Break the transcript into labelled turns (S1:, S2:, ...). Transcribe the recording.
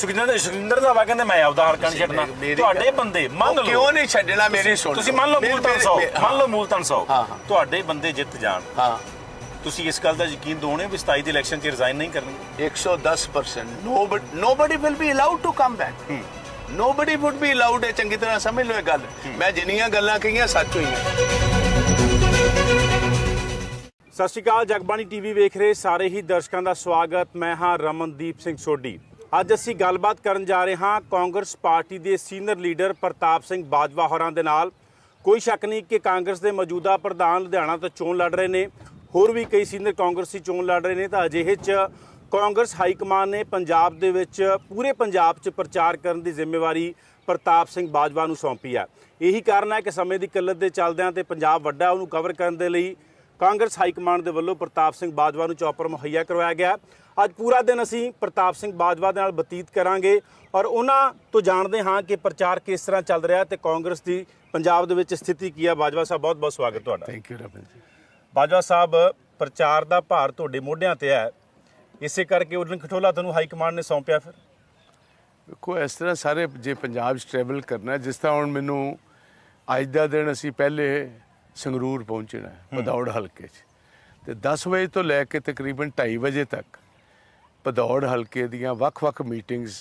S1: ਸੁਖਜਿੰਦਰ ਰੰਧਾਵਾ ਕਹਿੰਦੇ ਮੈਂ ਆਪਦਾ ਹਲਕਾ ਨਹੀਂ ਛੱਡਣਾ। ਤੁਹਾਡੇ ਬੰਦੇ ਮੰਨ ਲਓ
S2: ਕਿਉਂ ਨਹੀਂ ਛੱਡਣਾ, ਮੇਰੀ ਸੁਣ
S1: ਤੁਸੀਂ ਮੰਨ ਲਓ ਮੂਲਤਨ 100 ਮੰਨ ਲਓ ਮੂਲਤਨ 100
S2: ਹਾਂ।
S1: ਤੁਹਾਡੇ ਬੰਦੇ ਜਿੱਤ ਜਾਣ,
S2: ਹਾਂ
S1: ਤੁਸੀਂ ਇਸ ਗੱਲ ਦਾ ਯਕੀਨ ਦੋਣੇ ਵੀ 27 ਦੇ ਇਲੈਕਸ਼ਨ 'ਚ ਰਿਜ਼ਾਈਨ ਨਹੀਂ ਕਰਨਗੇ?
S2: 110%। nobody will be allowed to come back. nobody would be allowed। ਇਹ ਚੰਗੀ ਤਰ੍ਹਾਂ ਸਮਝ ਲਓ ਇਹ ਗੱਲ। ਮੈਂ ਜਿੰਨੀਆਂ ਗੱਲਾਂ ਕਹੀਆਂ ਸੱਚ ਹੋਈਆਂ।
S1: ਸਤਿ ਸ਼੍ਰੀ ਅਕਾਲ, ਜਗਬਾਣੀ ਟੀਵੀ ਵੇਖ ਰਹੇ ਸਾਰੇ ਹੀ ਦਰਸ਼ਕਾਂ ਦਾ ਸਵਾਗਤ। ਮੈਂ ਹਾਂ ਰਮਨਦੀਪ ਸਿੰਘ ਸੋਢੀ। ਅੱਜ ਅਸੀਂ ਗੱਲਬਾਤ ਕਰਨ ਜਾ ਰਹੇ ਹਾਂ ਕਾਂਗਰਸ ਪਾਰਟੀ ਦੇ ਸੀਨੀਅਰ ਲੀਡਰ ਪ੍ਰਤਾਪ ਸਿੰਘ ਬਾਜਵਾ ਹੋਰਾਂ ਦੇ ਨਾਲ। ਕੋਈ ਸ਼ੱਕ ਨਹੀਂ ਕਿ ਕਾਂਗਰਸ ਦੇ ਮੌਜੂਦਾ ਪ੍ਰਧਾਨ ਲੁਧਿਆਣਾ ਤੋਂ ਚੋਣ ਲੜ ਰਹੇ ਨੇ, ਹੋਰ ਵੀ ਕਈ ਸੀਨੀਅਰ ਕਾਂਗਰਸੀ ਚੋਣ ਲੜ ਰਹੇ ਨੇ। ਤਾਂ ਅਜਿਹੇ 'ਚ ਕਾਂਗਰਸ ਹਾਈਕਮਾਨ ਨੇ ਪੰਜਾਬ ਦੇ ਵਿੱਚ ਪੂਰੇ ਪੰਜਾਬ 'ਚ ਪ੍ਰਚਾਰ ਕਰਨ ਦੀ ਜ਼ਿੰਮੇਵਾਰੀ ਪ੍ਰਤਾਪ ਸਿੰਘ ਬਾਜਵਾ ਨੂੰ ਸੌਂਪੀ ਹੈ। ਇਹੀ ਕਾਰਨ ਹੈ ਕਿ ਸਮੇਂ ਦੀ ਕਿੱਲਤ ਦੇ ਚੱਲਦਿਆਂ ਤੇ ਪੰਜਾਬ ਵੱਡਾ ਉਹਨੂੰ ਕਵਰ ਕਰਨ ਦੇ ਲਈ ਕਾਂਗਰਸ ਹਾਈਕਮਾਨ ਦੇ ਵੱਲੋਂ ਪ੍ਰਤਾਪ ਸਿੰਘ ਬਾਜਵਾ ਨੂੰ ਚੌਪਰ ਮੁਹੱਈਆ ਕਰਵਾਇਆ ਗਿਆ। ਅੱਜ ਪੂਰਾ ਦਿਨ ਅਸੀਂ ਪ੍ਰਤਾਪ ਸਿੰਘ ਬਾਜਵਾ ਦੇ ਨਾਲ ਬਤੀਤ ਕਰਾਂਗੇ ਔਰ ਉਹਨਾਂ ਤੋਂ ਜਾਣਦੇ ਹਾਂ ਕਿ ਪ੍ਰਚਾਰ ਕਿਸ ਤਰ੍ਹਾਂ ਚੱਲ ਰਿਹਾ ਤੇ ਕਾਂਗਰਸ ਦੀ ਪੰਜਾਬ ਦੇ ਵਿੱਚ ਸਥਿਤੀ ਕੀ ਹੈ। ਬਾਜਵਾ ਸਾਹਿਬ ਬਹੁਤ ਬਹੁਤ ਸਵਾਗਤ ਤੁਹਾਡਾ।
S2: ਥੈਂਕ ਯੂ ਰਮਨ ਜੀ।
S1: ਬਾਜਵਾ ਸਾਹਿਬ, ਪ੍ਰਚਾਰ ਦਾ ਭਾਰ ਤੁਹਾਡੇ ਮੋਢਿਆਂ ਤੇ ਹੈ, ਇਸੇ ਕਰਕੇ ਉਡਨ ਖਟੋਲਾ ਤੁਹਾਨੂੰ ਹਾਈਕਮਾਂਡ ਨੇ ਸੌਂਪਿਆ। ਫਿਰ
S2: ਦੇਖੋ ਇਸ ਤਰ੍ਹਾਂ ਸਾਰੇ ਜੇ ਪੰਜਾਬ 'ਚ ਟਰੈਵਲ ਕਰਨਾ, ਜਿਸ ਤਰ੍ਹਾਂ ਹੁਣ ਮੈਨੂੰ ਅੱਜ ਦਾ ਦਿਨ ਅਸੀਂ ਪਹਿਲੇ ਸੰਗਰੂਰ ਪਹੁੰਚਣਾ ਭਦੌੜ ਹਲਕੇ 'ਚ, ਤੇ 10 ਵਜੇ ਤੋਂ ਲੈ ਕੇ ਤਕਰੀਬਨ 2:30 ਵਜੇ ਤੱਕ ਭਦੌੜ ਹਲਕੇ ਦੀਆਂ ਵੱਖ-ਵੱਖ ਮੀਟਿੰਗਸ